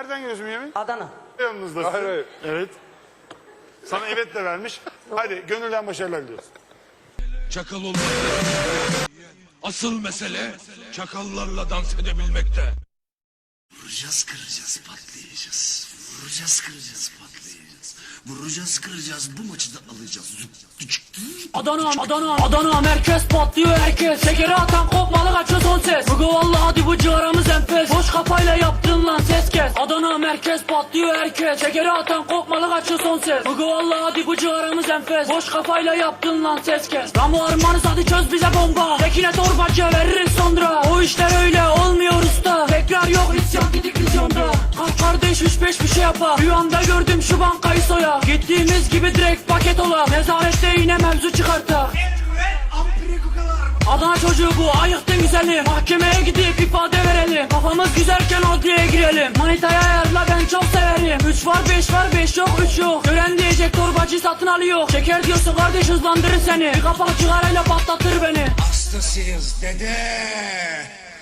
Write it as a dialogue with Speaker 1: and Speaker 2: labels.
Speaker 1: Nereden geliyorsun Yemin?
Speaker 2: Adana.
Speaker 1: Yanınızdasın.
Speaker 3: Hayır, hayır.
Speaker 1: Evet. Sana evet de vermiş. Hadi gönülden başarılar diliyoruz.
Speaker 4: Çakal olmak. Asıl mesele çakallarla dans edebilmekte.
Speaker 5: Vuracağız, kıracağız, patlayacağız. Vuracağız, kıracağız, patlayacağız. Vuracağız, kıracağız, bu maçı da alacağız.
Speaker 6: Adana merkez patlıyor herkes. Şekeri atan kopmalı kaçıyor son ses. Bugü vallahi hadi bu ciğaramız enfes. Boş kafayla yaptın lan ses kes. Adana merkez patlıyor herkes. Şekeri atan kopmalı kaçıyor son ses. Bugü vallahi hadi bu ciğaramız enfes. Boş kafayla yaptın lan ses kes. Ramu armanız hadi çöz bize bomba. Tekine torbacı veririz sonra. O işler öyle olmuyor usta. Tekrar yok isyan gidik vizyonda. Kardeş 3-5 bir şey yapar. Rüyamda gördüm şu bankayı soya. Gittiğimiz gibi direkt paket ola. Nezarette yine mevzu çıkartar. Adana çocuğu bu ayıktın güzeli. Mahkemeye gidip ifade verelim. Kafamız güzelken adliyeye girelim. Manitaya ayarla ben çok severim. 3 var 5 var 5 yok 3 yok. Gören diyecek torbacı satın alıyor. Şeker diyorsun kardeş hızlandırır seni. Bir kapak cigarayla patlatır beni.
Speaker 5: Hastasıyız dede.